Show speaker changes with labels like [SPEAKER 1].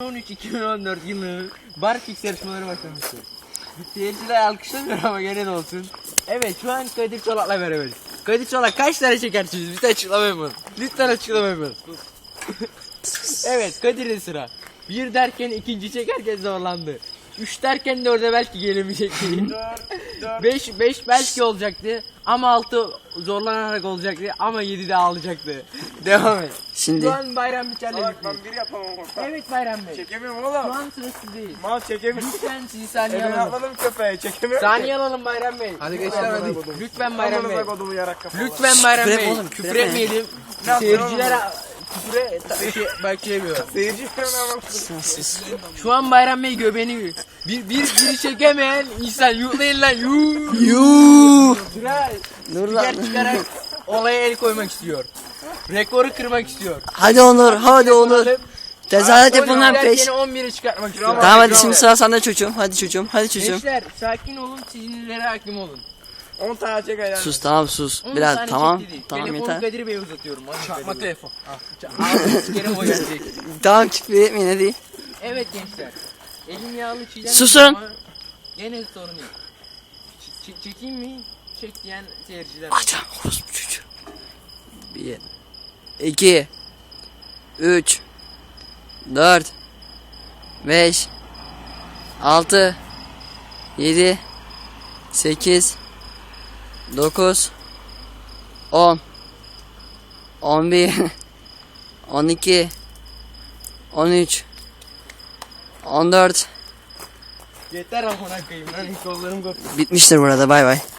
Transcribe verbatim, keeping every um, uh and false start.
[SPEAKER 1] on üç iki bin on dört yılının Barfix yarışmaları başlamıştır. Seyirciler alkışlamıyor ama gene de olsun. Evet, şu an Kadir Çolak'la beraberiz. Kadir Çolak kaç tane çekersiniz? Bir de açıklama yapın. Lütfen açıklama yapın. Evet, Kadir'in sıra. Bir derken ikinci çekerken zorlandı. Üç derken dörde belki gelemeyecekti. beş, beş belki olacaktı. Ama altı zorlanarak olacaktı. Ama yedi de ağlayacaktı. Devam et.
[SPEAKER 2] Şimdi.
[SPEAKER 1] Şu an Bayram Biçer'le
[SPEAKER 3] Salak
[SPEAKER 1] birlikteyiz.
[SPEAKER 3] ben bir yapamam orta.
[SPEAKER 1] Evet Bayram Bey.
[SPEAKER 3] Çekemiyorum
[SPEAKER 1] Şu
[SPEAKER 3] oğlum.
[SPEAKER 1] an sırası değil.
[SPEAKER 3] Mal çekemiyorum.
[SPEAKER 1] Lütfen sizi saniye
[SPEAKER 3] Elini
[SPEAKER 1] alalım.
[SPEAKER 3] atladım köpeğe çekemiyorum.
[SPEAKER 1] Saniye alalım Bayram Bey.
[SPEAKER 3] Hadi gençler hadi.
[SPEAKER 1] Lütfen Bayram Bey.
[SPEAKER 3] Amına kodumu yarak kafalı.
[SPEAKER 1] Lütfen Bayram
[SPEAKER 2] Küfür
[SPEAKER 1] Bey.
[SPEAKER 2] etme oğlum, küfür
[SPEAKER 1] Küfür
[SPEAKER 2] etme.
[SPEAKER 1] etmeyelim.
[SPEAKER 3] Ne
[SPEAKER 1] Seyirciler
[SPEAKER 3] yapıyorum
[SPEAKER 1] küfüre ta- şey, belki yemiyor.
[SPEAKER 3] Seyirci falan
[SPEAKER 1] Şu an Bayram Bey göbeğini bir bir biri çekemeyen insan yuhlayın lan yuh.
[SPEAKER 2] Yuuu.
[SPEAKER 1] Sıra
[SPEAKER 2] Dur
[SPEAKER 1] spiker
[SPEAKER 2] lan.
[SPEAKER 1] çıkarak olaya el koymak istiyor. Rekoru kırmak istiyor.
[SPEAKER 2] Hadi Onur, hadi Onur. Tezahürat yapın lan peş.
[SPEAKER 1] Seni on bire çıkartmak istiyor.
[SPEAKER 2] Tamam hadi şimdi sıra sende çocuğum. Hadi çocuğum, hadi çocuğum.
[SPEAKER 1] Gençler sakin olun, sinirlere hakim olun.
[SPEAKER 3] on tane çek ayağını.
[SPEAKER 2] Sus tamam sus.
[SPEAKER 1] on
[SPEAKER 2] Biraz
[SPEAKER 1] tane
[SPEAKER 2] tamam.
[SPEAKER 1] çekti değil.
[SPEAKER 2] Tamam
[SPEAKER 1] Telefonu
[SPEAKER 2] yeter.
[SPEAKER 1] Kadir Bey'e uzatıyorum. Çakma telefon. Ağzını kere o gelecek.
[SPEAKER 2] Tamam küfür etmeyin hadi.
[SPEAKER 1] Evet gençler. Elim yağlı çiğdem.
[SPEAKER 2] Susun.
[SPEAKER 1] ama Gene sorun yok. Ç- ç- çekeyim mi? Çek diyen seyirciler. var.
[SPEAKER 2] Açam orospu çocuğu. Bir. iki. Üç. Dört. Beş. Altı. Yedi. Sekiz. Dokuz. On. On bir. On iki. On üç. On dört.
[SPEAKER 1] Yeter amına koyayım lan kollarım koptu.
[SPEAKER 2] Bitmiştir burada bay bay.